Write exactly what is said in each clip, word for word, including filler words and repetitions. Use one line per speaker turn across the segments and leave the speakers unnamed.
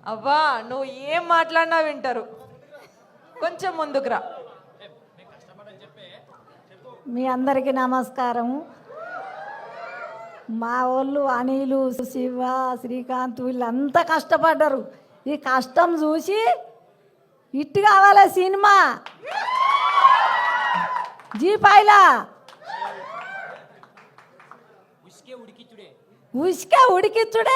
అవ్వా నువ్వు ఏం మాట్లాడినా వింటారు. కొంచెం ముందుకురా.
మీ అందరికీ నమస్కారం. మా వాళ్ళు అనిలు, శివ, శ్రీకాంత్ వీళ్ళంతా కష్టపడ్డారు. ఈ కష్టం చూసి ఇట్టు కావాలి సినిమా జీపాయిలా ఉసుకే ఉడికిచ్చుడే.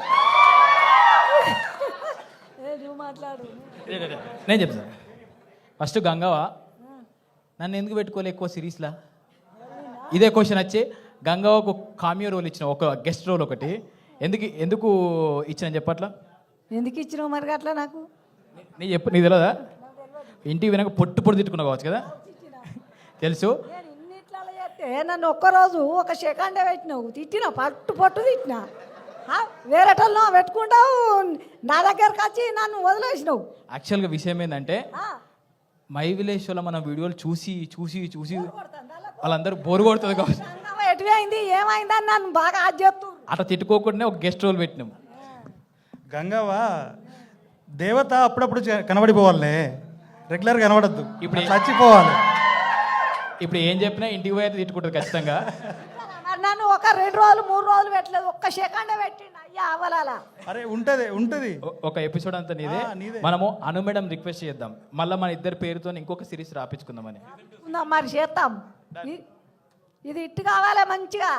నువ్వు మాట్లాడు.
నేను చెప్తాను. ఫస్ట్ గంగవ్వ నన్ను ఎందుకు పెట్టుకోలే ఎక్కువ సిరీస్లా? ఇదే క్వశ్చన్ వచ్చి గంగవ్వకు కామియో రోల్ ఇచ్చిన, ఒక గెస్ట్ రోల్ ఒకటి ఎందుకు ఎందుకు ఇచ్చిన చెప్పట్లా?
ఎందుకు ఇచ్చినావు మరి అట్లా? నాకు
నీ చెప్పు, నీ తెలియదా? ఇంటికి వినక పొట్టు పొట్టు తిట్టుకున్నావు కావచ్చు కదా, తెలుసు.
నేను ఇన్నిట్లా చేస్తే నన్ను ఒక్కరోజు ఒక సెకండే పెట్టినావు, తిట్టినా పట్టు పట్టు తిట్టినా. వేరేటల్లో పెట్టుకుంటావు, నా దగ్గరకు వచ్చి నన్ను వదిలేసినావు.
యాక్చువల్గా విషయం ఏంటంటే మై విలేజ్లో మన వీడియోలు చూసి చూసి చూసి వాళ్ళందరూ బోరు కొడుతుంది కావచ్చు.
ఎటువైంది ఏమైందని నన్ను బాగా అది చెప్తూ
అట్లా తిట్టుకోకుండా ఒక గెస్ట్ రోల్ పెట్టినాం.
గంగవ్వ దేవత అప్పుడప్పుడు చ- కనబడిపోవాలే, రెగ్యులర్ కనబడద్దు.
ఇప్పుడు ఏ-
చచ్చిపోవాలి.
ఇప్పుడు ఏం చెప్పినా ఇంటికి పోయి అయితే తిట్టుకుంటుంది ఖచ్చితంగా.
మరి నన్ను ఒక రెండు రోజులు మూడు రోజులు పెట్టలేదు, ఒక్క సెకండే పెట్టిండు. అయ్యా అవలాలా
అరే ఉంటది ఉంటది
ఒ- ఒక ఎపిసోడ్ అంతా నీదే.
ఆ, నీదే.
మనము అను మేడం రిక్వెస్ట్ చేద్దాం, మళ్ళీ మన ఇద్దరు పేరుతో ఇంకొక సిరీస్ రాపించుకుందామని.
ఉందాం మరి చేస్తాం. ఇ- ఇది ఇట్టు కావాలి మంచిగా.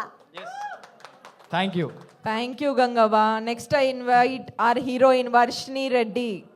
Thank you.
Thank you Gangavva. Next I invite our heroine Varshini Reddy.